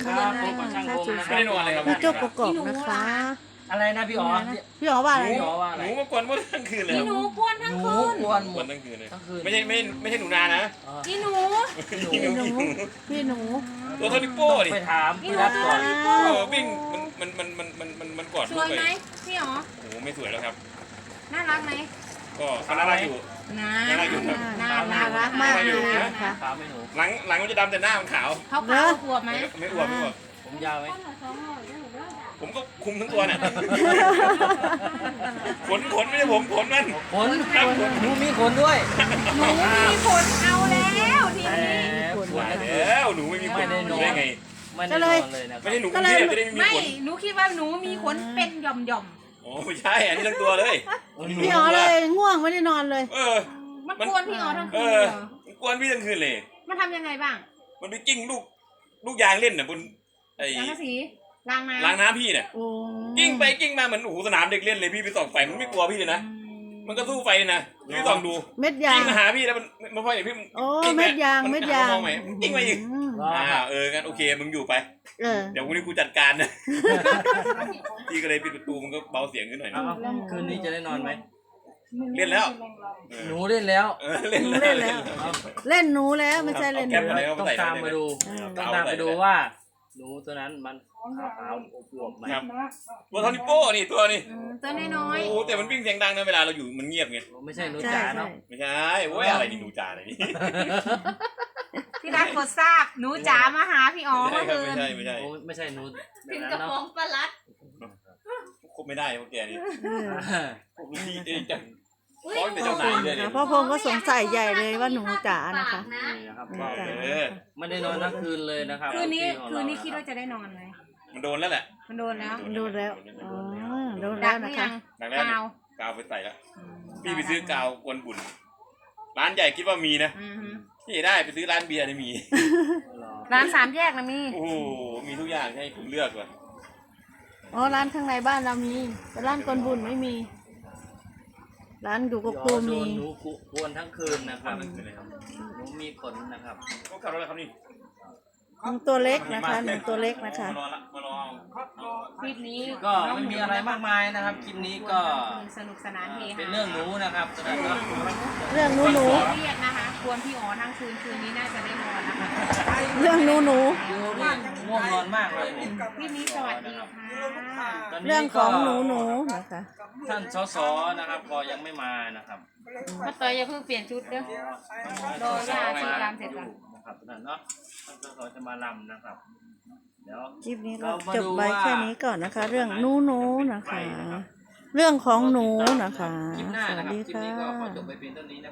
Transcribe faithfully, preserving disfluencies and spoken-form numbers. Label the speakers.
Speaker 1: ครับพบกับช่างพงนะค
Speaker 2: ไม่
Speaker 1: รับ
Speaker 2: ได้นอนเลยครับ
Speaker 3: พี่โจ๊กประกอบนะคะ
Speaker 1: อะไรนะพี่อ๋อ
Speaker 3: พี่อ๋อว่าอะไร
Speaker 1: พี่อ๋อว่าอะ
Speaker 2: ห
Speaker 1: ไร
Speaker 2: นูมากวนว่าทั้งคืนเลย
Speaker 4: อีหนูกวนทั้ง
Speaker 1: หนู
Speaker 4: คืน
Speaker 1: กวนห
Speaker 2: ก
Speaker 1: ม
Speaker 2: วน
Speaker 1: ด
Speaker 2: ทั้งคืนเลย
Speaker 1: ทั้งคืน
Speaker 2: ไม่ใช่ไม่ไม่ใช่หนูนานะ
Speaker 1: อ๋อ
Speaker 4: อีหนู
Speaker 3: พี่หนูพี่หนู
Speaker 2: ตัวเท่านิ้วโป้ดิ
Speaker 1: ไปถาม
Speaker 4: อี
Speaker 1: พี่
Speaker 4: หนู
Speaker 1: รัฐก่อน
Speaker 4: นี่
Speaker 2: เอ
Speaker 4: โป้
Speaker 2: อวิ่งมันมันมันมันมันมันมันกอด
Speaker 4: ส
Speaker 2: ลู
Speaker 4: ว
Speaker 2: ก
Speaker 4: ย
Speaker 2: ไป
Speaker 4: ไหมพี่อ๋อ
Speaker 2: โอ้โหไม่สวยแล้วครับ
Speaker 4: น่ารักไหม
Speaker 2: ก็เขาน่ารักอยู่
Speaker 4: นะ
Speaker 2: น่ารักอยู่ครับ
Speaker 4: น่า
Speaker 3: น่า
Speaker 4: รั
Speaker 3: รั
Speaker 4: ก
Speaker 3: กมากเลยนะคะ
Speaker 1: ถามไม่หนู
Speaker 2: หลังหลังมันจะดำแต่หน้ามันขาว
Speaker 4: เขาขาวอวบไหม
Speaker 2: ไม่อ้วนไม่อ้วน
Speaker 1: ผมยาวไหม
Speaker 2: ผมก็คุมทั้งตัวเนี่ยขนขนไม่ใช่ผมขนมัน
Speaker 1: ขนหนูมีขนด้วย
Speaker 4: หนูมีขนเอาแล้วที
Speaker 1: แต่
Speaker 4: นี้
Speaker 1: ปวด
Speaker 2: ว่า
Speaker 1: นะ
Speaker 2: แล้วหนูไม่มีขนหนูได้ไง
Speaker 1: ไม่ได้นอนเลยนะค
Speaker 2: ไม่
Speaker 1: รับ
Speaker 2: ใช่หนูกรุงเทพจะได้ไม่มี
Speaker 4: ไม่
Speaker 2: ขน
Speaker 4: หนูคิดว่าหนูมีขนเป็นหย่อมหย่อม
Speaker 2: โอ้ไม่ใช่อันนี้ทั้งตัวเลย
Speaker 3: พี่อ๋อเลยง่วงไม่ได้นอนเลย
Speaker 2: เออ
Speaker 4: ๆมันกวนพี่อ๋อทั้ง
Speaker 2: เอ
Speaker 4: คืน
Speaker 2: อ
Speaker 4: เหรอ
Speaker 2: กวนพี่ทั้งคืนเลย
Speaker 4: มันทำยังไงบ้าง
Speaker 2: มันไปกิ้งลูกลูกยางเล่นน่ะบนไอ้
Speaker 4: ล้างสีล้างน้ำ
Speaker 2: ล้างน้ำพี่เนี่ย
Speaker 3: โอ้
Speaker 2: กิ้งไปกิ้งมาเหมือนโอ้โหสนามเด็กเล่นเลยพี่ไปส่องไฟมันไม่กลัวพี่เลยนะมันก็สู้ไฟนะพี่ส่องดู
Speaker 3: เม็ดยา
Speaker 2: กิ้
Speaker 3: ง
Speaker 2: งมาหาพี่แล้วมันมันพ่ออย่างพี่
Speaker 3: โอ้
Speaker 2: กิ้งไป
Speaker 3: เม็ดยางเม็ดยาง
Speaker 2: นมองไหมกิ้งไปอีก
Speaker 3: อืม
Speaker 2: อ่าเอองั้นโอเคมึงอยู่ไป
Speaker 3: เออ
Speaker 2: เดี๋ยววันนี้กูจัดการนะพี่ก็เลยปิดประตูมันก็เบาเสียงขึ้นหน่อย
Speaker 1: เอา
Speaker 2: นะ
Speaker 1: เอาคืนนี้จะได้นอนไหม
Speaker 2: เล่นแล้วเออ
Speaker 1: หนูเล่นแล้ว
Speaker 2: เออเล่น
Speaker 3: เล่นแล้ว เล่นหนูแล้วไม่ใช่เล่นห
Speaker 2: แค
Speaker 3: นู
Speaker 2: ปอะไรก็
Speaker 1: ต้อง
Speaker 2: ใส่
Speaker 1: ตามมาดู
Speaker 3: เออ
Speaker 1: ต้องตามไปดูว่า หนูตัวนั้นมันขาวๆอวบๆไหม
Speaker 2: ครับตัวเท่านิ้วโป้นี่ตัวนี่
Speaker 4: อืมตัวน้อย
Speaker 2: โอ้แต่มันวิ่งเสียงดังนะเวลาเราอยู่มันเงียบไง
Speaker 1: ไม่ใช่หนู
Speaker 3: ใช่
Speaker 1: จ๋า
Speaker 3: ใช่
Speaker 1: เนาะ
Speaker 2: ไม่ใช่โอ้ยอะไรนี่หนูจาอะไรนี่
Speaker 4: ๆที่รักกดทราบหนูจ๋ามาหาพี่อ๋อ
Speaker 2: ไม่
Speaker 4: เมื่อ
Speaker 2: ใช่
Speaker 4: คื
Speaker 2: ครับ
Speaker 4: น
Speaker 2: ไม่ใช่ไม่ใช่
Speaker 1: โอ้ไม่ใช่หนูแบบ
Speaker 4: ถึง
Speaker 1: นั้น
Speaker 4: กระ
Speaker 1: เนาะ
Speaker 4: ป๋องปลาลัด
Speaker 2: คบไม่ได้พวกแกนี่
Speaker 3: เออ
Speaker 2: พวกนี้เองจังฟ้องแต่เจ้านายเลยเนี่ย
Speaker 3: พ่อพงษ์ก็สงสัยใหญ่เลยว่าหนูจ๋านะคะ
Speaker 1: นี่นะครับก็
Speaker 2: เออ
Speaker 1: ไม่ได้นอนทั้งคืนเลยนะครับ
Speaker 4: คืนนี้
Speaker 1: ของ
Speaker 4: คื
Speaker 1: เรา
Speaker 4: นนี้คิดว่าจะได้นอนไหม
Speaker 2: มันโดนแล้วแหละ
Speaker 4: มันโดนแล้ว
Speaker 3: ดูแล้วอ๋อดู
Speaker 4: ดั
Speaker 3: แล้ว
Speaker 4: กหรื
Speaker 3: นะ
Speaker 4: อ
Speaker 3: คะ
Speaker 4: ยัง
Speaker 2: หนักแล้ว
Speaker 4: กาว
Speaker 2: กาวไปใส่แล้วพี่ไปซื้อกาวกวนบุญร้านใหญ่คิดว่ามีนะ
Speaker 4: อือฮึ
Speaker 2: ที่ได้ไปซื้อร้านเบียร์เนี่ยมี
Speaker 4: ร้านสามแยกนะมี
Speaker 2: โอ้โหมีทุกอย่างให้ผมเลือกเลย
Speaker 3: อ๋อร้านข้างในบ้านเรามีแต่ร้านกวนบุญไม่มี ร้านอยู่กับครู
Speaker 1: โด
Speaker 3: มี
Speaker 1: นหนูกวนทั้งคืนนะครับหนูมีขนนะครับ
Speaker 2: ก็ขับรถอะไรครับนี่
Speaker 3: หนูตัวเล็กนะคะหนูตัวเล็กนะคะ
Speaker 2: มารอละมารอเอา
Speaker 4: คลิปนี้
Speaker 1: ก็ไม่มีอะไรมากมายนะครับคลิปนี้ก็
Speaker 4: สนุกสนานเฮฮา
Speaker 1: เป็นเรื่องหนูนะครับตอนนั้นเนาะ
Speaker 3: เรื่องหนูหนู
Speaker 4: เครียดนะคะควรพี่อ๋อทั้งคืนคืนนี้น่าจะได้นอนนะคะ
Speaker 3: เรื่องหนูหนู
Speaker 1: ดูนี่ง่วงนอนมากเลยนี่
Speaker 4: พี่นี้สวัสดีค่ะ
Speaker 1: ตอนนี้
Speaker 3: เรื่องของหนูหนูนะคะ
Speaker 1: ท่านสสนะครับก็ยังไม่มานะครับ
Speaker 4: มาเตยอย่าเพิ่งเปลี่ยนชุดเด้อ รอย่าชีรำเสร็จก่อน
Speaker 1: นะครับตอนนั้นเนาะท่านสสจะมาลำนะครับ เดี๋ยว
Speaker 3: คลิปนี้ก็จบไว้แค่นี้ก่อนนะคะ เรื่องหนูหนูนะคะ เรื่องของหนูนะคะ
Speaker 1: คลิปหน้า
Speaker 3: ส
Speaker 1: นะ
Speaker 3: วัส
Speaker 1: ครับ
Speaker 3: ดี
Speaker 1: คลิป
Speaker 3: ค่
Speaker 1: นี้ก็ขอจ
Speaker 3: ะ
Speaker 1: บไปเพียงเท่านี้นะ